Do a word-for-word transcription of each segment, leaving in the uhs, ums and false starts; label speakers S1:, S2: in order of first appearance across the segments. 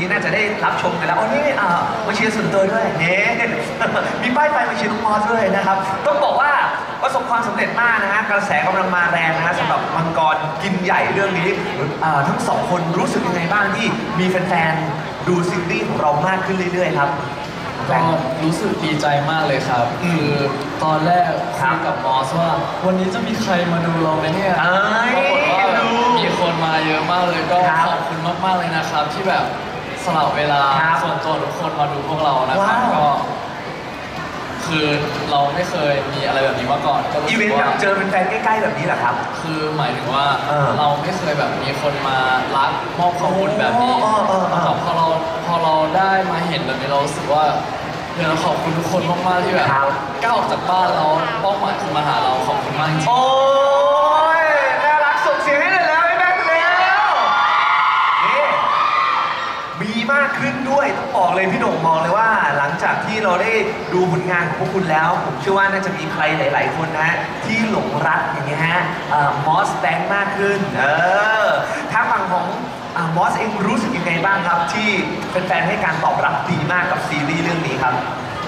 S1: นี้น่าจะได้รับชมกันแล้วอ๋อนี่อ่ามาเชียร์ส่วนตัวด้วยเฮ้มีป้ายไฟมาเชียร์น้องมอสด้วยนะครับต้องบอกว่าประสบความสำเร็จมากนะฮะกระแสกำลังมาแรงนะฮะสำหรับมังกรกินใหญ่เรื่องนี้ทั้งสองคนรู้สึกยังไงบ้างที่มีแฟนๆดูซีรีส์ของเรามากขึ้นเรื่อยๆครับ
S2: ก็รู้สึกดีใจมากเลยครับคือตอนแรกคุยกับมอสว่าวันนี้จะมีใครมาดูเราไหมเนี่ยปรากฏว่ามีคนมาเยอะมากเลยก็ขอบคุณมากๆเลยนะครับที่แบบสละเวลาส่วนตัวทุกคนมาดูพวกเรานะครับก็คือเราไม่เคยมีอะไรแบบนี้มาก่อนก็รู้
S1: สึกว่าเจอเป็นแฟนใกล้ๆแบบนี้แหละครับ
S2: คือหมายถึงว่าเราไม่เคยแบบมีคนมารักมอบข้อมูลแบบนี้แต่พอเราพอเราได้มาเห็นแบบนี้เรารู้สึกว่าเดี๋ยวเราขอบคุณทุกคนมากๆที่แบบก้าวออกจากบ้านเราเป้าหมายคือมาหาเราขอบคุณมากจริง
S1: โอ้ยน่ารักส่งเสียงให้เลยแล้วไอ้แบงค์แล้วนี่มีมากขึ้นด้วยต้องบอกเลยพี่โด่งมองเลยว่าหลังจากที่เราได้ดูผลงานของพวกคุณแล้วผมเชื่อว่าน่าจะมีใครหลายๆคนนะที่หลงรักอย่างเงี้ยฮะมอสแบงค์มากขึ้นเออถ้าฝั่งของมอสเองรู้สึกยังไงบ้างครับที่แฟนๆให้การตอบรับดีมากกับซีรีส์เรื่องนี้ครับ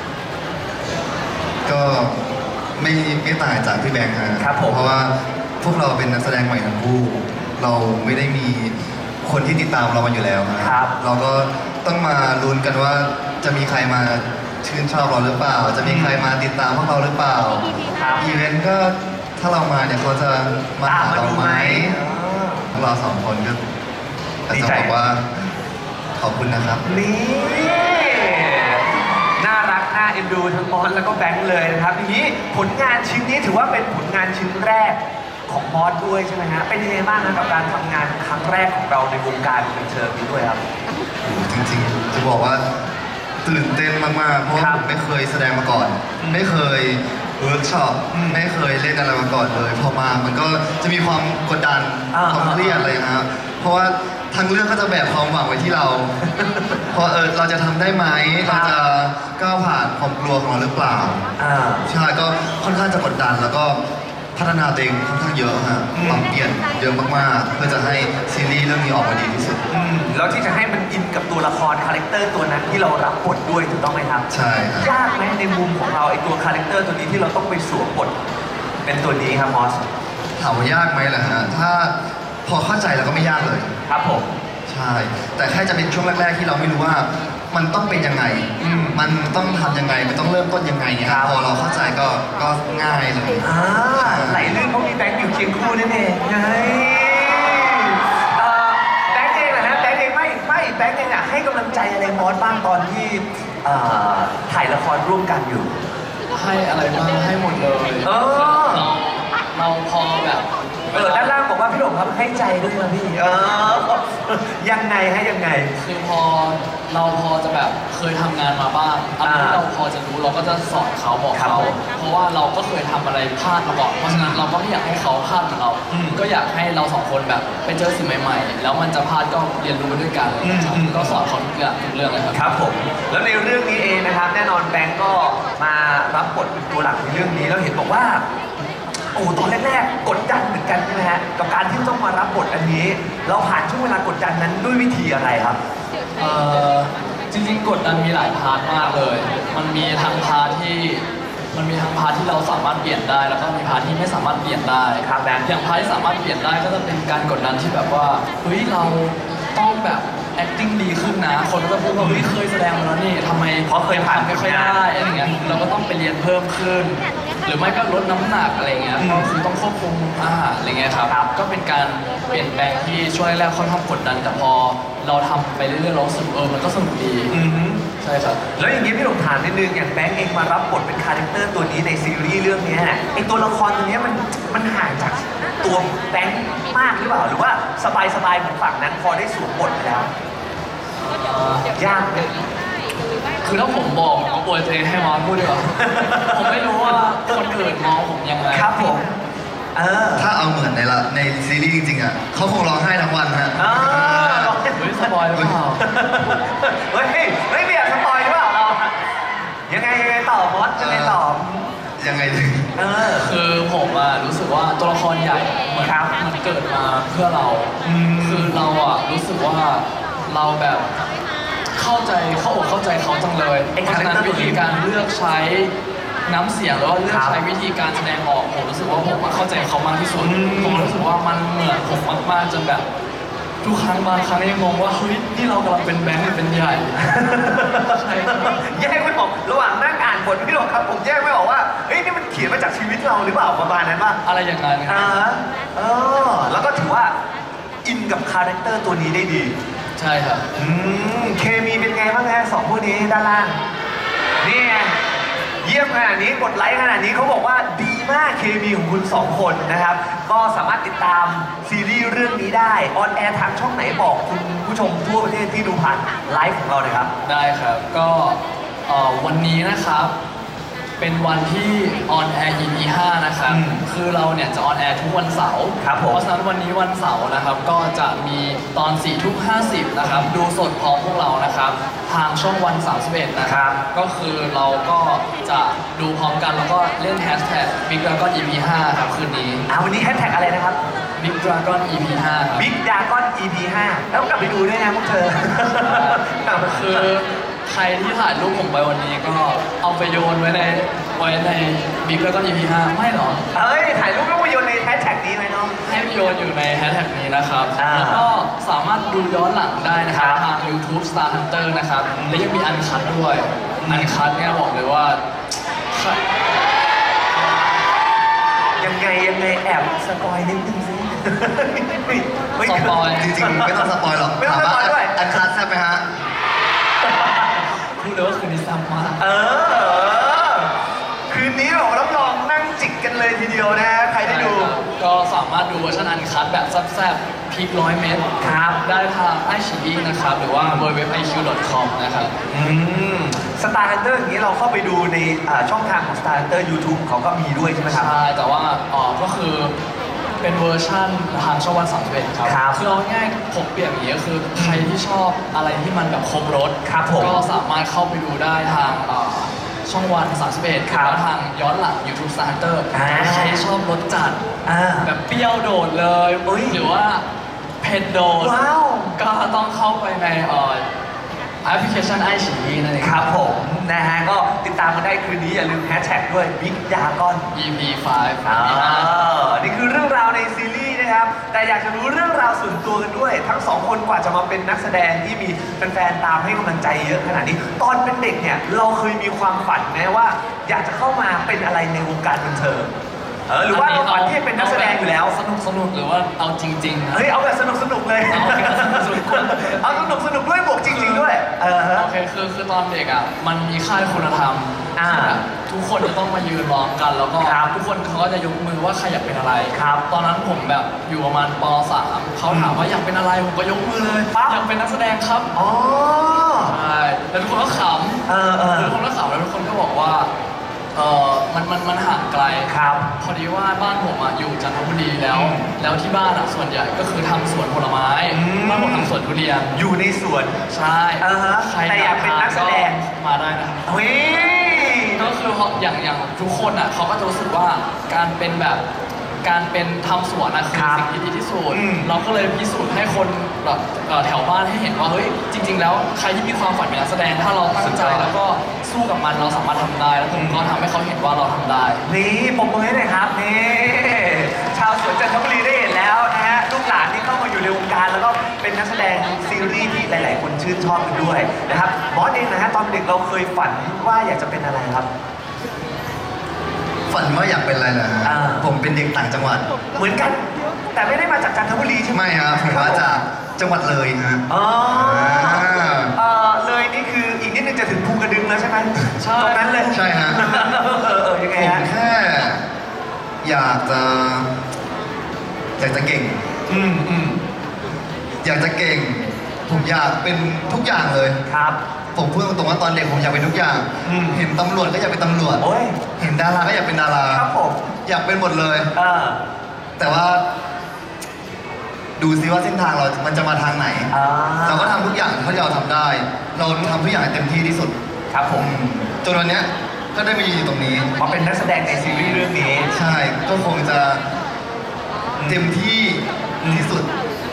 S3: ก็ไม่ไม่ต่างจากพี่แบงค์
S1: ครับผม
S3: เพราะว่าพวกเราเป็นนักแสดงใหม่ทั้งคู่เราไม่ได้มีคนที่ติดตามเรามาอยู่แล้วครับเราก็ต้องมาลุ้นกันว่าจะมีใครมาชื่นชอบเราหรือเปล่าจะมีใครมาติดตามพวกเราหรือเปล่าอีเวนต์ก็ถ้าเรามาเนี่ยเขาจะมาหาเราไหมเราสองคนก็จะบอกว่าขอบคุณนะครับ
S1: นี่น่ารักน่าเอ็นดูทั้งมอสแล้วก็แบงค์เลยนะครับทีนี้ผลงานชิ้นนี้ถือว่าเป็นผลงานชิ้นแรกของมอสด้วยใช่ไหมฮะเป็นยังไงบ้างนะกับการทำงานครั้งแรกของเราในวงการบันเทิงนี้ด้วยครับ
S3: จริงๆจะบอกว่าตื่นเต้นมากๆเพราะผมไม่เคยแสดงมาก่อนไม่เคยเวิร์กช็อปไม่เคยเล่นอะไรมาก่อนเลยพอมามันก็จะมีความกดดันความเครียดอะไรนะครับเพราะว่าทั้งเรื่องก็จะแบกความหวังไว้ที่เราเพราะเออเราจะทำได้ไหมเราจะก้าวผ่านความกลัวของเราหรือเปล่าใช่ก็ค่อนข้างจะกดดันแล้วก็พัฒนาตัวเองค่อนข้างเยอะฮะปรับเปลี่ยนเยอะมากๆเพื่อจะให้ซีรีส์เรื่องนี้ออกมาดีที่สุด
S1: แล้วที่จะให้มันอินกับตัวละครคาแรคเตอร์ตัวนั้นที่เรารับบทด้วยถูกต้องไหมครับ
S3: ใช่ครับ
S1: ยากไหมในมุมของเราไอตัวคาแรคเตอร์ตัวนี้ที่เราต้องไปสวมบทเป็นตัวนี้ครับมอส
S3: ถามว่ายากไหมล่ะฮะถ้าพอเข้าใจแล้วก็ไม่ยากเลย
S1: ครับผม
S3: ใช่แต่แค่จะเป็นช่วงแรกๆที่เราไม่รู้ว่ามันต้องเป็นยังไงมันต้องทำยังไงมันต้องเริ่มต้นยังไงเนี่ยพอเราเข้าใจก็ก็ง่ายเลย
S1: อ่าไหลลื่นเพราะมีแบงค์อยู่เคียงคู่นั่นเองไงแบงค์เองนะฮะแบงค์เองไม่ไม่แบงค์เองอะให้กำลังใจอะไรมอสบ้างตอนที่ถ่ายละครร่วมกันอยู่
S2: ให้อะไรบ้างให้หมดเลย
S1: เออ
S2: เราพอแบบ
S1: เออด้านล่างบอกว่าพี่หลงครับให้ใจด้วยนะพี่เออยังไงให้ยังไง
S2: คือพอเราพอจะแบบเคยทำงานมาบ้างอะไรที่เราพอจะรู้เราก็จะสอนเขาบอกเขาเพราะว่าเราก็เคยทำอะไรพลาดมาก่อนเพราะฉะนั้นเราก็ไม่อยากให้เขาพลาดเหมือนเราก็อยากให้เราสองคนแบบไปเจอสิ่งใหม่ๆแล้วมันจะพลาดก็เรียนรู้ด้วยกันก็สอนเขาทุกอย่างทุกเรื่องเลยครับ
S1: ครับผมแล้วในเรื่องนี้เองนะครับแน่นอนแบงก์ก็มารับบทเป็นตัวหลักในเรื่องนี้แล้วเห็นบอกว่าโอ้ตอนแรกๆกดดันเหมือนกันใช่ไหมฮะกับการที่ต้องมารับบทอันนี้เราผ่านช่วงเวลากดดันนั้นด้วยวิธีอะไรครับ
S2: เอ่อจริงๆกดดันมีหลายพาร์ทมากเลยมันมีทั้งพาร์ทที่มันมีทั้งพาร์ทที่เราสามารถเปลี่ยนได้แล้วก็มีพาร์ทที่ไม่สามารถเปลี่ยนได้
S1: ครับแบงค์
S2: อย่างพาร์ทที่สามารถเปลี่ยนได้ก็จะเป็นการกดดันที่แบบว่าเฮ้ยเราต้องแบบ acting ดีขึ้นนะคนก็จะพูดว่าเฮ้ยเคยแสดงมาแล้วนี่ทำไม
S1: เพราะเคยผ่าน
S2: ไม่ค่อยได้อะไรเงี้ยเราก็ต้องไปเรียนเพิ่มขึ้นหรือไม่ก็ลดน้ำหนักอะไรเงี้ยก็คือต้องควบคุมอาหารอะไรเงี้ยครับก็เป็นการเปลี่ยนแปลงที่ช่วยแรกค่อนข้างกดดันแต่พอเราทำไปเรื่อยๆเราสึกเออมันก็สนุกดีใช่ครับ
S1: แล้วอย่างนี้พี่หลงถามนิดนึงอย่างแบงค์เองมารับบทเป็นคาแรคเตอร์ตัวนี้ในซีรีส์เรื่องนี้ไอตัวละครตัวนี้มันมันห่างจากตัวแบงค์มากหรือเปล่าหรือว่าสบายๆเหมือนฝั่งนั้นพอได้สวมบทแล้วยากเลย
S2: คือถ้าผมบอกผมก็ปวยตัวเองให้มอสพูดดีกว่าผมไม่รู้ว่าคนอื่นมองผมยังไง
S1: ครับผมเออ
S3: ถ้าเอาเหมือนในละในซีรีส์จริงๆอ่ะเขาคงร้องไห้ทั้งวันฮะ
S2: เฮ้ยสปอยหรือเปล่า
S1: เฮ้ยเฮ้ยไม่อยากสปอยหรือเปล่าเรายังไงยังไงต่อมอสยังไงต่อ
S3: ยังไงถึง
S2: เออคือผมอ่ะรู้สึกว่าตัวละครใหญ่เหมือนมันเกิดมาเพื่อเราคือเราอ่ะรู้สึกว่าเราแบบเข้าใจเข้าอกเข้าใจเขาจังเลย
S1: ไอ้
S2: เพราะฉะนั้น
S1: character
S2: วิธีการเลือกใช้น้ำเสียงหรือว่าเลือก
S1: ครับ
S2: ใช้วิธีการแสดงออกผมรู้สึกว่าผมเข้าใจเขามากที่สุด
S1: อืม
S2: ผมรู้สึกว่ามันเหมือนผมมากๆจนแบบทุกครั้งบางครั้งยังงงว่าเฮ้ยนี่เรากำลังเป็นแบงค์หรือเป็นใหญ่ ใช่ครับ
S1: แยกไม่ออกระหว่างนั่งอ่านบทพี่หลงครับผมแยกไม่ออกว่าเอ้ยนี่มันเขียนมาจากชีวิตเราหรือเปล่าประมาณนั้นป่ะ
S2: อะไรอย่างนั้นค
S1: อ่า
S2: รับ
S1: เออแล้วก็ถือว่าอินกับคาแรคเตอร์ตัวนี้ได้ดี
S2: ใช่ครับ
S1: อืมเคมีเป็นไงบ้างฮะสองผู้นี้ด้านล่างนี่ไงเยี่ยมขนาดนี้กดไลค์ขนาดนี้เขาบอกว่าดีมากเคมีของคุณสองคนนะครับ ก็สามารถติดตามซีรีส์เรื่องนี้ได้ออนแอร์ทางช่องไหนบอกคุณผู้ชมทั่วประเทศที่ดูผ่านไลฟ์ของเราเลยครับ
S2: ได้ครับ ก็เอ่อวันนี้นะครับ เป็นวันที่ออนแอร์ อี พี ห้านะครับ
S1: อืม
S2: คือเราเนี่ยจะออนแอร์ทุกวันเสาร์
S1: ครับผม
S2: เพราะฉะนั้นวันนี้วันเสาร์นะครับ ก็จะมีตอนสี่ทุ่มห้าสิบนะครับ ดูสดพร้อมพวกเรานะครับ ทางช่องวันสามสิบเอ็ดนะค
S1: ครั
S2: รับ
S1: บ
S2: ก็คือเราก็จะดูพร้อมกันแล้วก็เล่นแฮชแท็ก Big Dragon อี พี ห้าครับคืนนี้
S1: อ่าวันนี้แฮชแท็กอะไรนะครับ
S2: Big Dragon อี พี ห้าครับ
S1: Big Dragon อี พี ห้าแล้วกลับไปดูด้วยนะพวกเธอ
S2: คือใครที่ถ่ายรูปผมไปวันนี้ก็เอาไปโยนไว้ในไว้ในบิ๊กแล้วก็ อี พี ห้าไม่หรอ
S1: เอ้ย ถ่ายรูปแล้วมาโยนในแฮชแท็กนี้ไหมน้อง
S2: ให้โยนอยู่ในแฮชแท็กนี้นะครับ
S1: อ่า
S2: แล้วก็สามารถดูย้อนหลังได้นะครับ
S1: ครับ
S2: ทาง YouTube Star Hunter นะครับ และยังมีอันคัดด้วย อันคัดเนี่ยบอกเลยว่า
S1: ยังไงยังไงแอบสปอยนิดนึงสิไม่
S2: สปอย
S3: จริงๆ ไม่ต้องสปอยหรอก
S1: ไม่ต้องสปอยด้วย
S3: อันคัดแซ่บไหมฮะ
S2: พูดเลยว่าคืนนี้ซ้ำมาก
S1: เออ คืนนี้บอกรับรองนั่งจิกกันเลยทีเดียวนะ ใครได้ดู
S2: ก็สามารถดูเวอร์ชันอันคัดแบบแซ่บๆพีคร้อยเมตร
S1: ครับ
S2: ได้ทางไอชีอีนะครับ หรือว่า ดับเบิลยู ดับเบิลยู ดับเบิลยู ดอท ไอ คิว ดอท คอม นะครับ
S1: อืมสตาร์ฮันเตอร์อย่างนี้เราเข้าไปดูในอ่าช่องทางของ Star Hunter YouTube เขาก็มีด้วยใช่ไหมครับ
S2: ใช่ แต่ว่าอ๋อก็คือเป็นเวอร์ชั่นทางช่องวันสามสิบเอ็ดครับ
S1: ครับ
S2: คือเอาง่ายๆผมเปรียบอย่างนี้ก็คือใครที่ชอบอะไรที่มันแบบครบรถ
S1: ครับผม
S2: ก็สามารถเข้าไปดูได้ทางเอ่อช่องวันสามสิบเอ็ด
S1: ครับ
S2: แล้วทางย้อนหลัง YouTube Star Hunter
S1: อ่า
S2: ใครชอบรสจัด
S1: อ่า
S2: แบบเปรี้ยวโดดเลย
S1: อุ๊ย
S2: หรือว่าเผ็ดโดด
S1: ว้าว
S2: ก็ต้องเข้าไปในเอ่อแอปพลิเคชันไอชีนั่นเอง
S1: ครับผมนะฮะก็ติดตามกันได้คืนนี้อย่าลืมแฮชแท็กด้วย Big Dragon
S2: อี พี ห้า
S1: อ่านี่คือเรื่องราวในซีรีส์นะครับ แต่อยากจะรู้เรื่องราวส่วนตัวกันด้วย ทั้งสองคนกว่าจะมาเป็นนักแสดงที่มีแฟนๆตามให้กำลังใจเยอะขนาดนี้ ตอนเป็นเด็กเนี่ย เราเคยมีความฝันไหมว่า อยากจะเข้ามาเป็นอะไรในวงการบันเทิงเออหรือว่าเราฝันที่จะเป็นนักแสดงอยู่แล้ว
S2: สนุกสนุกหรือว่าเอาจริงๆนะ
S1: เฮ้ย เอาแบบสนุกสนุกๆเลย
S2: เอาแบบสนุกๆ
S1: เอาสนุกสนุกๆด้วยบวกจริง ๆ ด้วย เออฮะ
S2: โอเคคือคือตอนเด็กอ่ะมันมีค่ายคุณธรรม
S1: อ่า
S2: ที่แบบทุกคนจะต้องมายืนร้องกัน แล้วก็
S1: ครับ
S2: ทุกคนเขาก็จะยกมือว่าใครอยากเป็นอะไร
S1: ครับ
S2: ตอนนั้นผมแบบอยู่ประมาณป สามเขาถามว่าอยากเป็นอะไรผมก็ยกมือเลย
S1: ปั๊บ
S2: อยากเป็นนักแสดงครับ
S1: อ๋อ
S2: ใช่แล้วทุกคนก็ขำ
S1: เออเออ
S2: แล้วทุกคนก็ขำแล้วทุกคนก็บอกว่าเออมันมันมันห่างไกล
S1: ครับ
S2: พอดีว่าบ้านผมอ่ะอยู่จันทบุรีแล้ว
S1: อืม
S2: แล้วที่บ้านอ่ะส่วนใหญ่ก็คือทำสวนผลไม้
S1: อืม
S2: บ้านผมทำสวนทุเรียน
S1: อยู่ในสวน
S2: ใช่
S1: อ่าฮะ
S2: ใคร
S1: แต่อยากเป็นนักแสดง
S2: มาได้นะครับ
S1: เฮ้ย
S2: ก็คือเพราะอย่างอย่างทุกคนอ่ะเขาก็จะรู้สึกว่าการเป็นแบบการเป็นทำสวนนะคือ
S1: ครับ
S2: สิ่งที่ดีที่สุด
S1: อืม
S2: เราก็เลยพิสูจน์ให้คนแบบเอ่อแถวบ้านให้เห็นว่าเฮ้ยจริง ๆ แล้วใครที่มีความฝันเป็นนักแสดงถ้าเราตั้งใจแล้วก็สู้กับมันเราสามารถทำได้แล้วผมก็ทำให้เขาเห็นว่าเราทำได้
S1: นี่ปมมือให้หน่อยครับนี่ชาวสวนจันทบุรีได้เห็นแล้วนะฮะลูกหลานที่เข้ามาอยู่ในวงการแล้วก็เป็นนักแสดงซีรีส์ที่หลาย ๆ คนชื่นชอบกันด้วยนะครับบอสเองนะฮะตอนเด็กเราเคยฝันว่าอยากจะเป็นอะไรครับ
S3: ฝันว่าอยากเป็นอะไรนะฮะ
S1: อ่า
S3: ผมเป็นเด็กต่างจังหวัด
S1: เหมือนกัน แต่ไม่ได้มาจากจันทบุรีใช่ไหม
S3: ไม่ครับผมมาจากจังหวัดเลยฮะ
S1: อ๋อ
S3: อ่า
S1: เออเลยนี่คืออีกนิดนึงจะถึงภูกระดึงแล้วใช่ไหม
S2: ใช่
S1: ตรงนั้นเลย
S3: ใช่ฮะ
S1: เออเออยังไง
S3: ผม
S1: ฮะ
S3: แค่อยากจะอยากจะเก่ง
S1: อืมอืม
S3: อยากจะเก่ง ผมอยากเป็นทุกอย่างเลย
S1: ครับ
S3: ผมพูดตรงๆว่าตอนเด็กผมอยากเป็นทุกอย่าง
S1: อืม
S3: เห็นตำรวจก็อยากเป็นตำรวจ
S1: โอ้ย
S3: เห็นดาราก็อยากเป็นดารา
S1: ครับผม
S3: อยากเป็นหมดเลย
S1: เออ
S3: แต่ว่า ดูซิว่าเส้นทางเรา มันจะมาทางไหน
S1: อ่า
S3: เราก็ทำทุกอย่างเท่าที่เราทำได้ เราทำทุกอย่างให้เต็มที่ที่สุด
S1: ครับผม
S3: จนวันเนี้ยก็ได้มายืนอยู่ตรงนี้
S1: มาเป็นนักแสดงในซีรีส์เรื่องนี้
S3: ใช่ ก็คงจะเต็มที่ที่สุด
S1: อ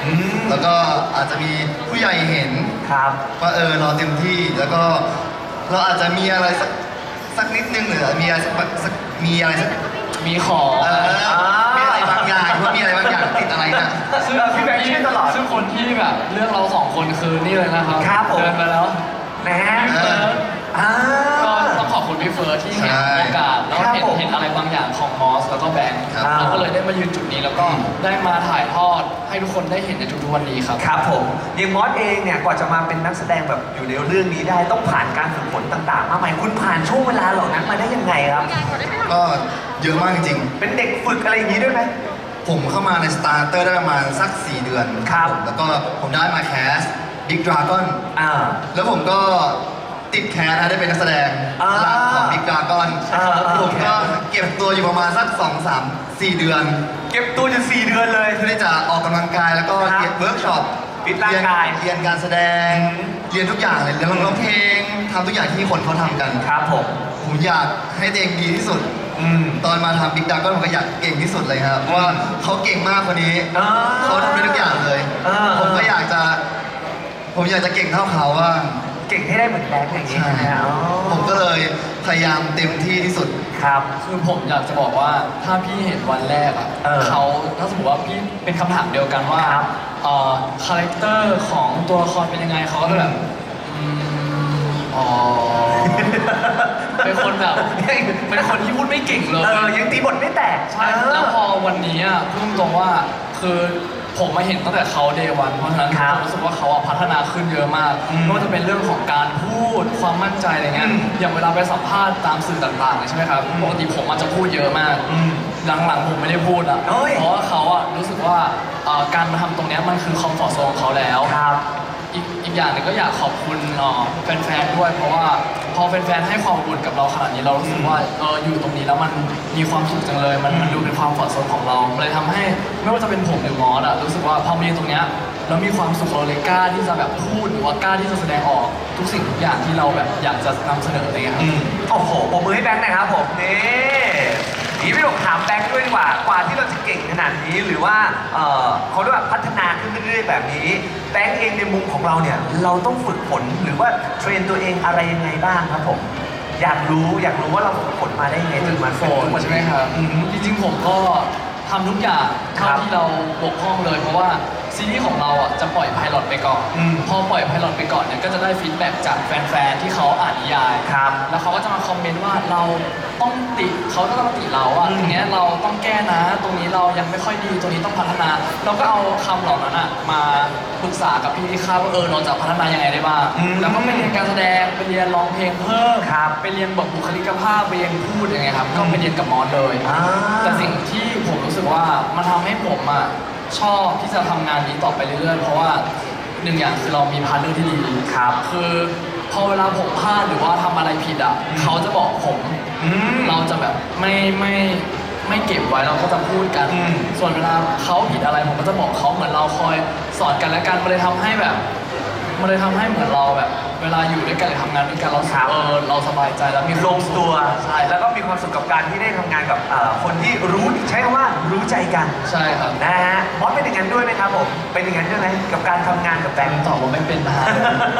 S1: อืม
S3: แล้วก็อาจจะมีผู้ใหญ่เห็น
S1: ครับ
S3: ว่าเออเราเต็มที่แล้วก็เราอาจจะมีอะไรสักสักนิดนึงหรือมีอะไรสักสักมีอะไรสัก
S2: มีของ
S3: เออมีอะไรบางอย่างว่ามีอะไรบางอย่างติดอะไรนะ
S2: ซึ่ง
S1: เออพี่แบงค์ช่วยตลอด
S2: ซึ่งคนที่แบบเลือกเราสองคนคือนี่เลยนะครับ
S1: ครับผม
S2: เดินมาแล้ว
S1: นะฮะ
S2: พี่เฟิร์ส
S1: อ่า
S2: ก็ต้องขอบคุณพี่เฟิร์สที่เห็น
S3: ใช่
S2: โอกาสแล้ว
S1: ครับ
S2: เห็น
S1: ผม
S2: เห็นอะไรบางอย่างของมอสแล้วก็แบงค์
S3: ครับ
S2: เราก็เลยได้มายืนจุดนี้แล้วก็
S3: อืม
S2: ได้มาถ่ายทอดให้ทุกคนได้เห็นในทุกๆวันนี้ครับ
S1: ครับผมอย่างมอสเองเนี่ยกว่าจะมาเป็นนักแสดงแบบอยู่ในเรื่องนี้ได้ต้องผ่านการฝึกฝนต่างๆมากมายคุณผ่านช่วงเวลาเหล่านั้นมาได้ยังไงครับ
S3: ก็เยอะมากจริง
S1: เป็นเด็กฝึกอะไรอย่างนี้ด้วยไหม
S3: ๆ ผมเข้ามาในสตาร์เตอร์ได้ประมาณสักสี่เดือน
S1: ครับ
S3: ผมแล้วก็ผมได้มาแคสบิ๊กดราก้อน
S1: อ่า
S3: แล้วผมก็ติดแคสนะได้เป็นนักแสดง
S1: อ่า
S3: หลักของบิ๊กดราก้อน
S1: อ่าอ่า
S3: ผมก็เก็บตัวอยู่ประมาณสักสองสามสี่เดือน
S1: เก็บตัวอยู่สี่เดือนเลย
S3: เพื่อที่จะออกกำลังกายแล้วก็
S1: ครับ
S3: เรียนเวิร์กช็อป
S1: ฟิตร่างกาย
S3: เรียนการแสดง เรียนทุกอย่างเลยเรียนร้องเพลงทำทุกอย่างที่คนเขาทำกัน
S1: ครับผม
S3: ผมอยากให้ตัวเองดีที่สุด
S1: อืม
S3: ตอนมาทำบิ๊กดักก็ผมก็อยากเก่งที่สุดเลยครับเพราะว่าเขาเก่งมากคนนี้
S1: อ่า
S3: เขาทำได้ทุกอย่างเลย
S1: อ่า
S3: ผมก็อยากจะ ผมอยากจะเก่งเท่าเขาว่า
S1: เก่งให้ได้เหมือนแบงค์อย่างนี้
S3: ใช่
S1: ใช่ไหมอ๋อ
S3: ผมก็เลยพยายามเต็มที่ที่สุด
S1: ครับ
S2: คือผมอยากจะบอกว่าถ้าพี่เห็นวันแรกอ่ะ
S1: เออ
S2: เขาถ้าสมมติว่าพี่เป็นคำถามเดียวกันว่า
S1: ครับ
S2: เอ่อคาแรคเตอร์ของตัวละครเป็นยังไงเขาก็จะแบบอืมอ๋อ เป็นคนแบบเป็นคนที่พูดไม่เก่งเลย
S1: เออยังตีบทไม่แตก
S2: ใช่แล้วพอวันนี้อ่ะพูดตรงๆว่าคือผมมาเห็นตั้งแต่เขาเดวันเพราะฉะนั้น
S1: ครับ
S2: ผมรู้สึกว่าเขาอะพัฒนาขึ้นเยอะมาก
S1: อืม
S2: ไม่ว่าจะเป็นเรื่องของการพูดความมั่นใจอะไรเงี้ย
S1: อืม
S2: อย่างเวลาไปสัมภาษณ์ตามสื่อต่างๆใช่ไหมครับ
S1: อืม
S2: ปกติผมอาจจะพูดเยอะมาก
S1: อืม
S2: หลังๆผมไม่ได้พูดอ่ะ
S1: เอ้ย
S2: เพราะว่าเขาอ่ะรู้สึกว่าเอ่อการมาทำตรงเนี้ยมันคือคอมฟอร์ทโซนของเขาแล้ว
S1: ครับ
S2: อีกอีกอย่างหนึงก็อยากขอบคุณเอ่อแฟนๆด้วย เพราะว่าพอแฟนๆให้ความอบอุ่นกับเราขนาดนี้เรารู้สึกว่าเอออยู่ตรงนี้แล้วมันมีความสุขจังเลย มันมันดูเป็นความฝันโซนของเราเลยทำให้ไม่ว่าจะเป็นผมหรือมอสอะรู้สึกว่าพอมายืนตรงเนี้ยเรามีความสุขเราเลยกล้าที่จะแบบพูดหรือว่ากล้าที่จะแสดงออกทุกสิ่งทุกอย่างที่เราแบบอยากจะนำเสนออะไรเงี้ยครับ
S1: อืมโอ้โหปรบมือให้แบงค์หนะครับผมนี่นี่พี่หลงถามแบงค์ด้วยดีกว่ากว่าที่เราจะเก่งขนาดนี้หรือว่าเอ่อเขาเรียกว่าพัฒนาขึ้นเรื่อยๆแบบนี้แบงค์เองในมุมของเราเนี่ยเราต้องฝึกฝนหรือว่าเทรนตัวเองอะไรยังไงบ้างครับผมอยากรู้อยากรู้ว่าเราฝึกฝนมาได้ยังไงจนมา
S2: โฟ
S1: เป็น
S2: น
S1: ทุกวัน
S2: ใช่
S1: นี้
S2: ไหมครับ
S1: อืม
S2: จริงๆผมก็ทำทุกอย่างเท่า
S1: ครับ
S2: ที่เราบกพร่องเลย เพราะว่าซีรีส์ของเราอ่ะจะปล่อยไพลอตไปก่อน
S1: อืม
S2: พอปล่อยไพลอตไปก่อนเนี่ยก็จะได้ฟีดแบ็กจากแฟนๆที่เขาอ่านนิยาย
S1: ครับ
S2: แล้วเขาก็จะมาคอมเมนต์ว่าเราต้องติเขาก็ต้องมาติเราอ่ะ
S1: อืม
S2: ตรงเนี้ยเราต้องแก้นะ ตรงนี้เรายังไม่ค่อยดีตรงนี้ต้องพัฒนา เราก็เอาคำเหล่านั้นอ่ะมาปรึกษากับพี่ที่ค่ายว่าเออเราจะพัฒนายังไงได้บ้าง
S1: อืม
S2: แล้วก็ไปเรียนการแสดงไปเรียนร้องเพลงเพิ่ม
S1: ครับ
S2: ไปเรียนแบบบุคลิกภาพไปเรียนพูดยังไงครับก็ไปเรียนกับมอสเลย
S1: อ่า
S2: แต่สิ่งที่ผมรู้สึกว่ามันทำให้ผมอ่ะชอบที่จะทำงานนี้ต่อไปเรื่อยๆ เพราะว่าหนึ่งอย่างคือเรามีพาร์ทเนอร์ที่ดี
S1: ครับ
S2: คือพอเวลาผมพลาดหรือว่าทำอะไรผิดอ่ะ
S1: อืม
S2: เขาจะบอกผม
S1: อืม
S2: เราจะแบบไม่ไม่ไม่เก็บไว้เราก็จะพูดกัน
S1: อืม
S2: ส่วนเวลาเขาผิดอะไรผมก็จะบอกเขาเหมือนเราคอยสอนกันและกันมันเลยทำให้แบบมันเลยทำให้เหมือนเราแบบ เวลาอยู่ด้วยกันหรือทำงานด้วยกันเรา
S1: ครับ
S2: เออเราสบายใจแล้วมี
S1: ลงตัว
S2: ใช่
S1: แล้วก็มีความสุขกับการที่ได้ทำงานกับเอ่อคนที่รู้ใช้คำว่ารู้ใจกัน
S2: ใช่ครับ
S1: นะฮะมอสเป็นอย่างนั้นด้วยไหมครับผมเป็นอย่างนั้นด้วยไหมกับการทำงานกับแบงค์
S2: ตอบว่าไม่เป็นนะฮะ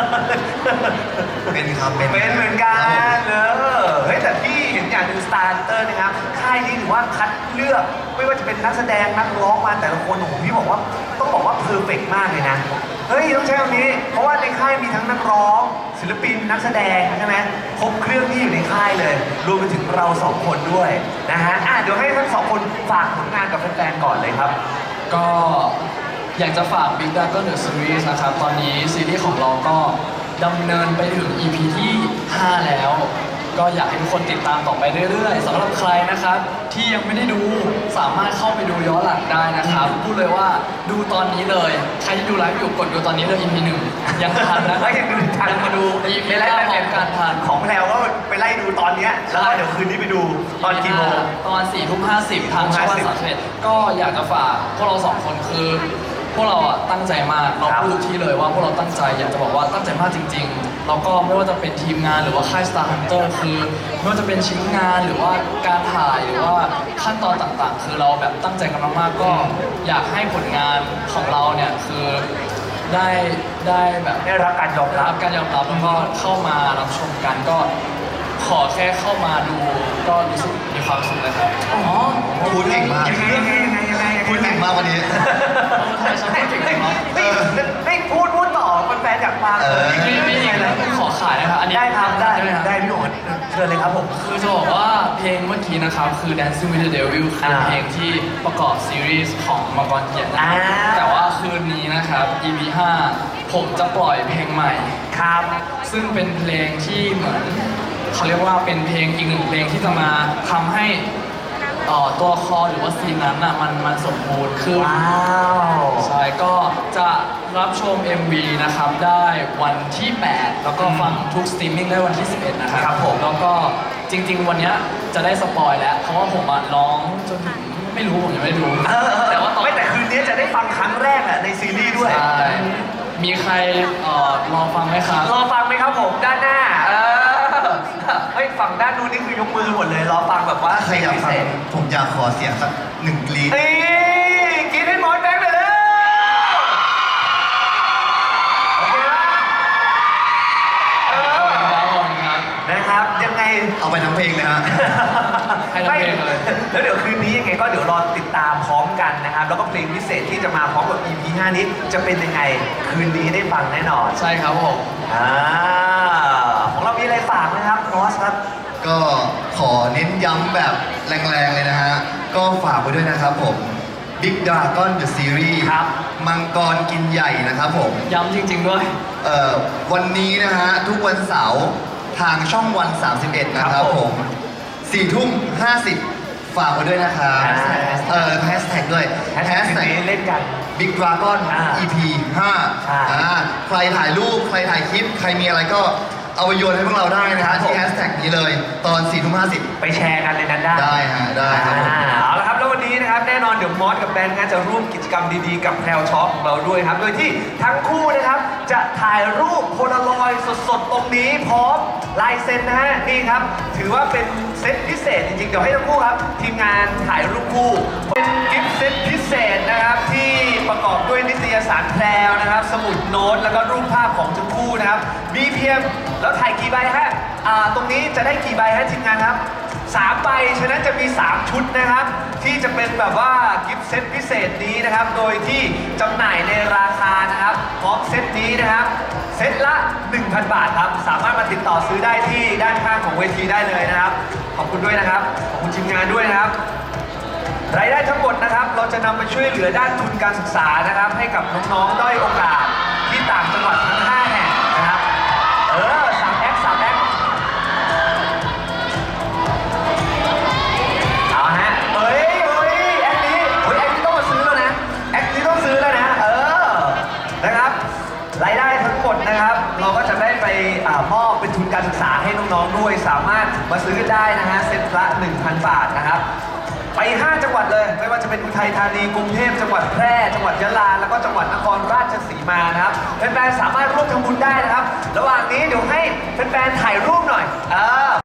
S3: เป็นครับ
S1: เป็นเหมือนกันเออเฮ้ยแต่พี่เห็นอย่างหนึ่งสตาร์เตอร์นะครับค่ายนี้ถือว่าคัดเลือกไม่ว่าจะเป็นนักแสดงนักร้องมาแต่ละคนโอ้โหพี่บอกว่าต้องบอกว่าเพอร์เฟกต์มากเลยนะเฮ้ยต้องใช้คำนี้ เพราะว่าในค่ายมีทั้งนักร้อง ศิลปินนักแสดงใช่ไหมครบเครื่องที่อยู่ในค่ายเลย รวมไปถึงเราสองคนด้วยนะฮะอ่ะเดี๋ยวให้ทั้งสองคนฝากผลงานกับแฟนๆก่อนเลยครับ
S2: ก็อยากจะฝาก Big Dragon The Series นะครับ ตอนนี้ซีรีส์ของเราก็ดำเนินไปถึง อี พี ที่ ห้า แล้ว ก็อยากให้ทุกคนติดตามต่อไปเรื่อยๆสำหรับใครนะครับ ที่ยังไม่ได้ดูสามารถเข้าไปดูย้อนหลังได้นะครับพูดเลยว่าดูตอนนี้เลย ใครที่ดูไลฟ์อยู่กดดูตอนนี้เลย อี พี หนึ่งยังทันนะ
S1: ก็ยังดูทัน
S2: ยังมาดู อี พี
S1: ไปไล่
S2: ห้าพร้อมกันทัน
S1: ของแพลวก็ไปไล่ดูตอนเนี้ยแล้วก็เดี๋ยวคืนนี้ไปดูตอนกี่โมง
S2: ตอนสี่ทุ่มห้าสิบทางช่องวันสามสิบเอ็ดก็อยากจะฝากพวกเราสองคนคือพวกเราอ่ะตั้งใจมากเรา
S1: ครับ
S2: พูดทุกที่เลยว่าพวกเราตั้งใจอยากจะบอกว่าตั้งใจมากจริงๆแล้วก็ไม่ว่าจะเป็นทีมงานหรือว่าค่าย Star Hunter คือไม่ว่าจะเป็นชิ้นงานหรือว่าการถ่ายหรือว่าขั้นตอนต่างๆ คือเราแบบตั้งใจกันมากๆก็อยากให้ผลงานของเราเนี่ยคือได้ได้แบบ
S1: ได้รับการยอม
S2: ได้
S1: รั
S2: รั
S1: บบ
S2: การยอมรับแล้วก็เข้ามารับชมกันก็ขอแค่เข้ามาดูก็รู้สึกมีความสุขเลยครับ
S1: อ๋อ
S3: พูดเก่งมาก
S1: ยังไงยังไงยังไงยังไง
S3: พูดเก่งมากวันนี้
S2: ใช่ฉันพูดเก่งไหมครับ
S1: เฮ้ยเฮ้ยพูดพูดต่อแฟนๆอยากฟัง
S3: เออ
S2: มีมีอีกนะขอขายนะครับอันนี้
S1: ได้ครับได้
S2: ไหมครับ
S1: ได้พี่โหนเชิญเลยครับผม
S2: คือจะบอกว่าเพลงเมื่อกี้นะครับคือ Dancing with the Devil คือ
S1: อ่า
S2: เพลงที่ประกอบซีรีส์ของมังกรเกียรตินะครับ
S1: อ่า
S2: แต่ว่าคืนนี้นะครับ อี พี ห้าผมจะปล่อยเพลงใหม่
S1: ครับ
S2: ซึ่งเป็นเพลงที่เหมือนเขาเรียกว่าเป็นเพลงอีกหนึ่งเพลงที่จะมาทำให้เอ่อตัวละครหรือว่าซีนนั้นน่ะมันมันสมบูรณ์ขึ้น
S1: ว้าว
S2: ใช่ก็จะรับชม เอ็ม วี นะครับได้วันที่ แปด แล้วก็ฟังทุกสตรีมมิ่งได้วันที่ สิบเอ็ด นะครับ
S1: ครับผม
S2: แล้วก็จริง ๆ วันเนี้ยจะได้สปอยแล้ว เพราะว่าผมอะร้องจนถึงไม่รู้ผมยังไม่ได้ดู
S1: เออเออ
S2: แต่ว่าตอน
S1: ไม่แต่คืนนี้จะได้ฟังครั้งแรกอะในซีรีส์ด้วย
S2: ใช่มีใครเอ่อรอฟังไหมครับ
S1: รอฟังไหมครับผมด้านหน้า เออเฮ้ยฝั่งด้านนู้นนี่คือยกมือหมดเลย รอฟังแบบว่า
S3: ถ้าใครอยาก
S1: พิ
S3: ฟั
S1: เศ
S3: ง
S1: ษ
S3: ผมอยากขอเสียงสักหนึ่งกรีด
S1: เอ้ยกินให้หมดแบงค์ไปเลยโอเคปะเอ
S2: ขอบคุณ
S1: อ
S2: ครับขอบคุณครับ
S1: นะครับ ยังไง
S3: เอาไปทั้งเพลงเลยฮะ
S2: ให้ทั้งเพลงเลย
S1: แล้วเดี๋ยวคืนนี้ยังไงก็เดี๋ยวรอติดตามพร้อมกันนะครับ แล้วก็เพลงพิเศษที่จะมาพร้อมกับ อี พี ห้า นี้จะเป็นยังไง คืนนี้ได้ฟังแน่นอน
S2: ใช่ครับผม
S1: อ่าของเรามีอะไรฝากไหมครับนอสครับ
S3: ก็ขอเน้นย้ำแบบแรงๆเลยนะฮะ ก็ฝากไว้ด้วยนะครับผม Big Dragon The Series
S1: ครับ
S3: มังกรกินใหญ่นะครับผม
S2: ย้ำจริง ๆ ด้วย
S3: เอ่อวันนี้นะฮะ ทุกวันเสาร์ทางช่องวัน สามสิบเอ็ด นะครับผมสี่ทุ่มห้าสิบฝากไว้ด้วยนะครับ
S1: อ่า
S3: เอ่อแฮชแท็กด้วย
S1: แฮชแท็กนี้เล่นกัน
S3: Big Dragon
S1: อ่า
S3: อี พี ห้า
S1: ใช่
S3: อ่าใครถ่ายรูป ใครถ่ายคลิป ใครมีอะไรก็เอาไปโยนให้พวกเราได้นะ
S1: ครั
S3: ฮะ
S1: บผม
S3: ที่แฮชแท็กนี้เลย ตอนสี่ทุ่มห้าสิบ
S1: ไปแชร์กันในนั้นได้
S3: ได้ฮะได้ครับผม
S1: อ่าเอาละครับแล้ววันนี้นะครับแน่นอนเดี๋ยวมอสกับแบงค์นะจะร่วมกิจกรรมดีๆกับแพรวช็อปของเราด้วยครับ โดยที่ทั้งคู่นะครับจะถ่ายรูปโพลารอยด์สดๆ ตรงนี้พร้อมลายเซ็นนะฮะนี่ครับ ถือว่าเป็นเซตพิเศษจริงๆ เดี๋ยวให้ทั้งคู่ครับ ทีมงานถ่ายรูปคู่ เป็นกิฟต์เซตพิเศษนะครับที่ประกอบด้วยนิตยสารแพรวนะครับ สมุดโน้ตแล้วก็รูปภาพของทั้งคู่นะครับมีเพียงแล้วถ่ายกี่ใบฮะอ่าตรงนี้จะได้กี่ใบฮะทีมงานครับ สามใบ ฉะนั้นจะมี สาม ชุดนะครับ ที่จะเป็นแบบว่ากิฟต์เซตพิเศษนี้นะครับ โดยที่จำหน่ายในราคานะครับพร้อมเซตนี้นะครับ เซตละ หนึ่งพัน บาทครับ สามารถมาติดต่อซื้อได้ที่ด้านข้างของเวทีได้เลยนะครับ ขอบคุณด้วยนะครับ ขอบคุณทีมงานด้วยนะครับ รายได้ทั้งหมดนะครับ เราจะนำไปช่วยเหลือด้านทุนการศึกษานะครับ ให้กับน้องๆด้อยโอกาสที่ต่างจังหวัดทั้ง ห้า แห่งนะครับ เออสามแอคสามแอค เอาฮะเฮ้ยเฮ้ยแอคนี้เฮ้ยแอคนี้ต้องมาซื้อแล้วนะ แอคนี้ต้องซื้อแล้วนะ เออ นะครับ รายได้ทั้งหมดนะครับ เราก็จะได้ไปอ่ามอบเป็นทุนการศึกษาให้น้องๆด้วย สามารถมาซื้อได้นะฮะ เซ็ตละ หนึ่งพัน บาทนะครับ ไป ห้า จังหวัดเลย ไม่ว่าจะเป็นอุทัยธานี กรุงเทพ จังหวัดแพร่ จังหวัดยะลา แล้วก็จังหวัดนครราชสีมานะครับ แฟนๆ สามารถร่วมทำบุญได้นะครับ ระหว่างนี้เดี๋ยวให้แฟนๆ ถ่ายรูปหน่อย เออ